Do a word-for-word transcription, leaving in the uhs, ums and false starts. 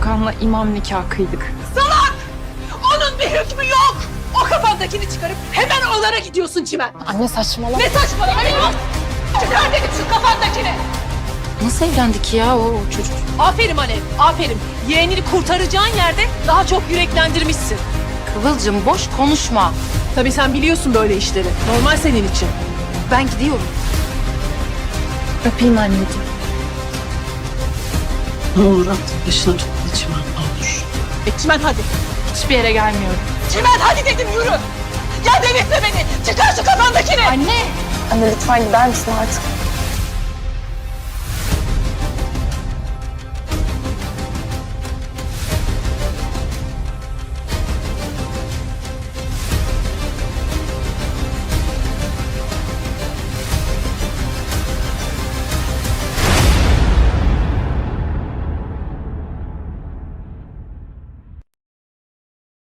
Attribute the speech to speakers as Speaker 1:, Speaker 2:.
Speaker 1: Hakan'la imam nikahı kıydık.
Speaker 2: Salak! Onun bir hükmü yok. O kafandakini çıkarıp hemen onlara gidiyorsun Çimen.
Speaker 1: Anne saçmalama.
Speaker 2: Ne saçmalama yok. Çıkar dedim şu kafandakini.
Speaker 1: Nasıl evlendik ya o, o çocuk?
Speaker 2: Aferin Alev, aferin. Yeğenini kurtaracağın yerde daha çok yüreklendirmişsin.
Speaker 1: Kıvılcım boş konuşma.
Speaker 2: Tabii sen biliyorsun böyle işleri. Normal senin için.
Speaker 1: Ben gidiyorum. Öpeyim anneciğim.
Speaker 3: Ne olur artık başına topla Çimen, ne olur.
Speaker 2: E Çimen hadi.
Speaker 1: Hiçbir yere gelmiyorum.
Speaker 2: Çimen hadi dedim yürü. Ya delirtme beni. Çıkar şu kafandakini.
Speaker 1: Anne! Anne lütfen gider misin artık?